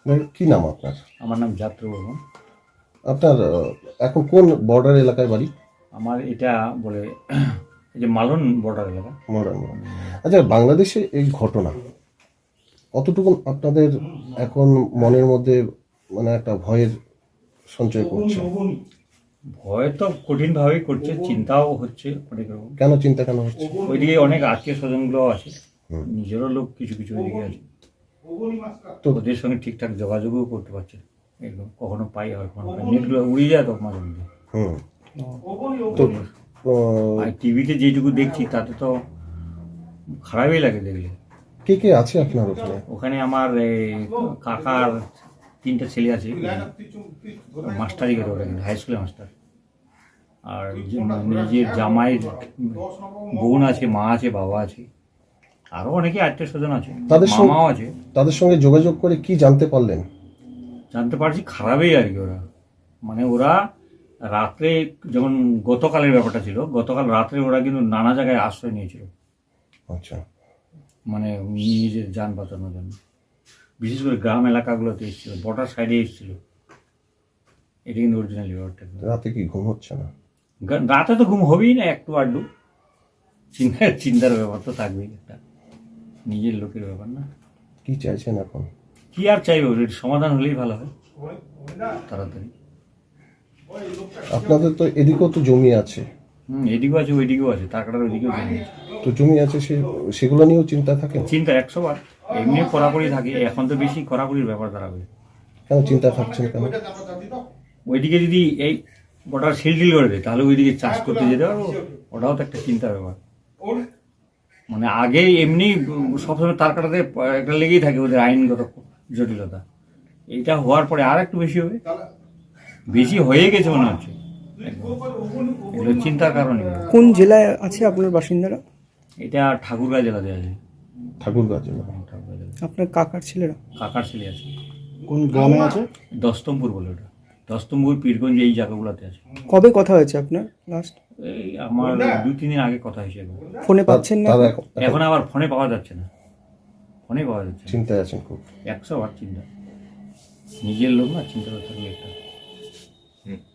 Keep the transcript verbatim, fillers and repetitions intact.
কি নাম আপনার? আমার নাম যাত্রা বর্মন। আপনার আহ, এখন কোন বর্ডার এলাকায় বাড়ি? আমার এটা বলে এই যে মালন বর্ডার এলাকা। মডার্ন। আচ্ছা, বাংলাদেশে এই ঘটনা কতটুকু আপনাদের এখন মনের মধ্যে মানে একটা ভয়ের সঞ্চয় করছে? ভয় তো কঠিনভাবেই করছে, চিন্তাও হচ্ছে অনেক রকম। কেন চিন্তা কেন হচ্ছে? ওইদিকে অনেক আত্মীয় স্বজনগুলো আছে, নিজেরও লোক কিছু কিছু ওইদিকে আছে, তো ওদের সঙ্গে ঠিকঠাক যোগাযোগও করতে পারছে না। একদম কখনো পাই আর কখনো পাই, নেটগুলো উড়ে যায় তো মাঝে মধ্যে। হুম। তো আহ, আর টিভিতে যেটুকু দেখছি তাতে তো খারাপই লাগে দেখলে। কে কে আছে আপনার ওখানে? ওখানে আমার এই কাকার তিনটা ছেলে আছে, মাস্টারই করে ওরা, কিন্তু হাই স্কুলের মাস্টার। আর যে- নিজের জামাইয়ের বোন আছে, মা আছে, বাবা আছে, আরও অনেকে আত্মীয় স্বজন আছে, তাদের সঙ্গে- মামাও আছে। তাদের সঙ্গে যোগাযোগ করে কি জানতে পারলেন? জানতে পারছি খারাপই আর কি। ওরা মানে ওরা রাত্রে, যেমন গতকালের ব্যাপারটা ছিল, গতকাল রাত্রে ওরা কিন্তু নানা জায়গায় আশ্রয় নিয়েছিল, আচ্ছা। মানে নিজের যান বাঁচানোর জন্য। বিশেষ করে গ্রাম এলাকাগুলোতে এসেছিল, বর্ডার সাইডে এসেছিল। এটা কিন্তু অরিজিনালি ব্যাপারটা। রাতে কি ঘুম হচ্ছে না? গা- রাতে তো ঘুম হবেই না, একটু আড্ডু চিন্তা, চিন্তার ব্যাপার তো থাকবেই একটা, নিজের লোকের ব্যাপার না। কি চাইছেন এখন? কি আর চাইবো, এর সমাধান হলেই ভালো হয় তাড়াতাড়ি। আপনাদের তো এদিকেও তো জমি আছে, হুম, এদিকেও আছে ওইদিকেও আছে, তার কাটার ওইদিকেও জমি আছে। তো জমি আছে, সে সেগুলো নিয়েও চিন্তা থাকে? চিন্তা একশো বার, এমনি কড়াকড়ি থাকে, এখন তো বেশি কড়াকড়ির ব্যাপার দাঁড়াবে। কেন চিন্তা থাকছেন কেন? ওইদিকে যদি এই বর্ডার সিলটিল করে দেয় তাহলে ওইদিকে চাষ করতে যেতে পারবো, ওটাও তো একটা চিন্তার ব্যাপার। মানে আগে এমনি সবসময় তার কাটাতে একটা লেগেই থাকে ওদের আইনগত জটিলতা, এইটা হওয়ার পরে আর একটু বেশি হবে, বেশি হয়ে গেছে মনে হচ্ছে একদম। এগুলো চিন্তার কারণে। কোন জেলায় আছে আপনার বাসিন্দারা? এটা ঠাকুরগাঁ জেলাতে আছে। ঠাকুরগাঁ জেলা। ঠাকুরগাঁ জেলা। আপনার কাকার ছেলেরা? কাকার ছেলে আছে। কোন গ্রামে আছে? দস্তমপুর বলে ওটা, দস্তমপুর, পীরগঞ্জ, এই জায়গাগুলোতে আছে। কবে কথা হয়েছে আপনার লাস্ট? এই আমার দুই তিন দিন আগে কথা হয়েছে একবার। ফোনে পাচ্ছেন না? তারা এখন এখন আবার ফোনে পাওয়া যাচ্ছে না, ফোনে পাওয়া যাচ্ছে না। চিন্তায় আছেন খুব? একশো বার চিন্তা, নিজের লোক না, চিন্তা থাকলে একটা